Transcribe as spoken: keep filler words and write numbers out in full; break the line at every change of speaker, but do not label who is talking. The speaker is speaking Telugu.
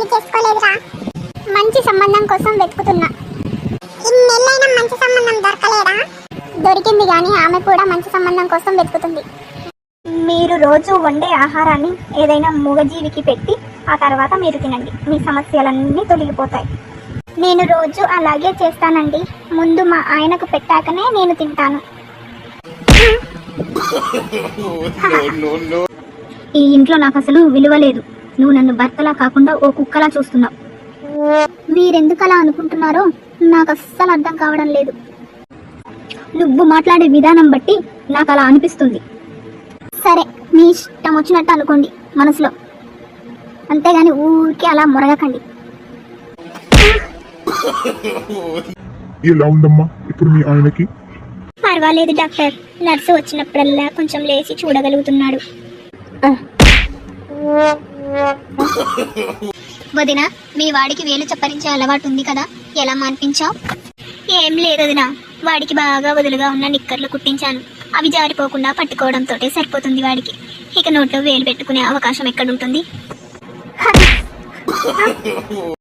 పెళ్లి చేసుకోలేదురా. మంచి సంబంధం కోసం వెతుకుతున్నా. ఇన్నేళ్ళైనా మంచి సంబంధం దొరకలేదా? దొరికింది కానీ ఆమె కూడా మంచి సంబంధం కోసం వెతుకుతుంది.
మీరు రోజు వండే ఆహారాన్ని ఏదైనా మూగజీవికి పెట్టి ఆ తర్వాత మీరు తినండి. మీ సమస్యలన్నీ తొలగిపోతాయి.
నేను రోజు అలాగే చేస్తానండి. ముందు మా ఆయనకు పెట్టాకనే నేను తింటాను.
ఈ ఇంట్లో నాకు అసలు విలువ లేదు. నువ్వు నన్ను భర్తలా కాకుండా ఓ కుక్కలా చూస్తున్నావు.
మీరెందుకలా అనుకుంటున్నారో నాకు అస్సలు అర్థం కావడం లేదు.
నువ్వు మాట్లాడే విధానం బట్టి నాకు అలా అనిపిస్తుంది.
సరే, మీ ఇష్టం వచ్చినట్టు అనుకోండి మనసులో, అంతేగాని ఊరికే అలా మొరగకండి.
ఎలా ఉందమ్మా ఇప్పుడు మీ ఆయనకి?
పర్వాలేదు డాక్టర్. నర్సు వచ్చినప్పుడల్లా కొంచెం లేచి చూడగలుగుతున్నాడు.
వదిన, మీ వాడికి వేలు చప్పరించే అలవాటు ఉంది కదా, ఎలా మాన్పించావు?
ఏం లేదు వదినా, వాడికి బాగా వదులుగా ఉన్న నిక్కర్లు కుట్టించాను. అవి జారిపోకుండా పట్టుకోవడంతో సరిపోతుంది వాడికి. ఇక నోట్లో వేలు పెట్టుకునే అవకాశం ఎక్కడుంటుంది?